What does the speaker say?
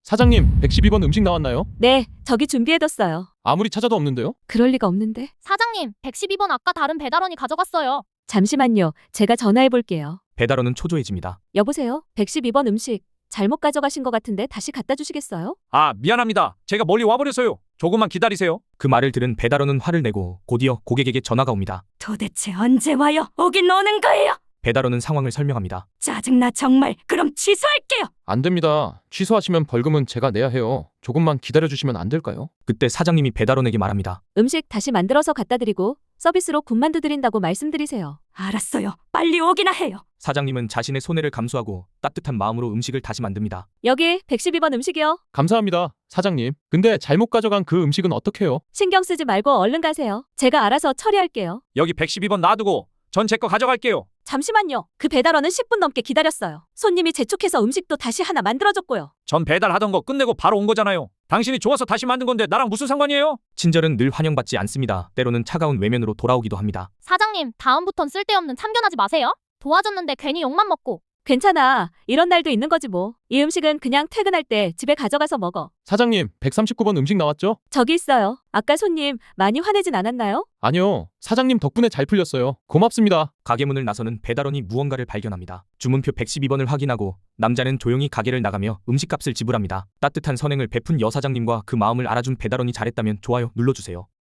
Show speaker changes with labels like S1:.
S1: 사장님, 112번 음식 나왔나요?
S2: 네, 저기 준비해뒀어요.
S1: 아무리 찾아도 없는데요?
S2: 그럴 리가 없는데.
S3: 사장님, 112번 아까 다른 배달원이 가져갔어요.
S2: 잠시만요. 제가 전화해볼게요.
S4: 배달원은 초조해집니다.
S2: 여보세요? 112번 음식 잘못 가져가신 것 같은데 다시 갖다 주시겠어요?
S5: 아, 미안합니다. 제가 멀리 와버려서요. 조금만 기다리세요.
S4: 그 말을 들은 배달원은 화를 내고 곧이어 고객에게 전화가 옵니다.
S6: 도대체 언제 와요? 오긴 오는 거예요?
S4: 배달원은 상황을 설명합니다.
S6: 짜증나 정말. 그럼 취소할게요.
S1: 안 됩니다. 취소하시면 벌금은 제가 내야 해요. 조금만 기다려주시면 안 될까요?
S4: 그때 사장님이 배달원에게 말합니다.
S2: 음식 다시 만들어서 갖다 드리고 서비스로 군만두 드린다고 말씀드리세요.
S6: 알았어요. 빨리 오기나 해요.
S4: 사장님은 자신의 손해를 감수하고 따뜻한 마음으로 음식을 다시 만듭니다.
S2: 여기 112번 음식이요.
S1: 감사합니다, 사장님. 근데 잘못 가져간 그 음식은 어떡해요?
S2: 신경 쓰지 말고 얼른 가세요. 제가 알아서 처리할게요.
S5: 여기 112번 놔두고 전 제 거 가져갈게요.
S2: 잠시만요. 그 배달원은 10분 넘게 기다렸어요. 손님이 재촉해서 음식도 다시 하나 만들어줬고요.
S5: 전 배달하던 거 끝내고 바로 온 거잖아요. 당신이 좋아서 다시 만든 건데 나랑 무슨 상관이에요?
S4: 친절은 늘 환영받지 않습니다. 때로는 차가운 외면으로 돌아오기도 합니다.
S3: 사장님, 다음부턴 쓸데없는 참견하지 마세요. 도와줬는데 괜히 욕만 먹고.
S2: 괜찮아. 이런 날도 있는 거지 뭐. 이 음식은 그냥 퇴근할 때 집에 가져가서 먹어.
S1: 사장님, 139번 음식 나왔죠?
S2: 저기 있어요. 아까 손님 많이 화내진 않았나요?
S1: 아니요. 사장님 덕분에 잘 풀렸어요. 고맙습니다.
S4: 가게 문을 나서는 배달원이 무언가를 발견합니다. 주문표 112번을 확인하고 남자는 조용히 가게를 나가며 음식값을 지불합니다. 따뜻한 선행을 베푼 여사장님과 그 마음을 알아준 배달원이 잘했다면 좋아요 눌러주세요.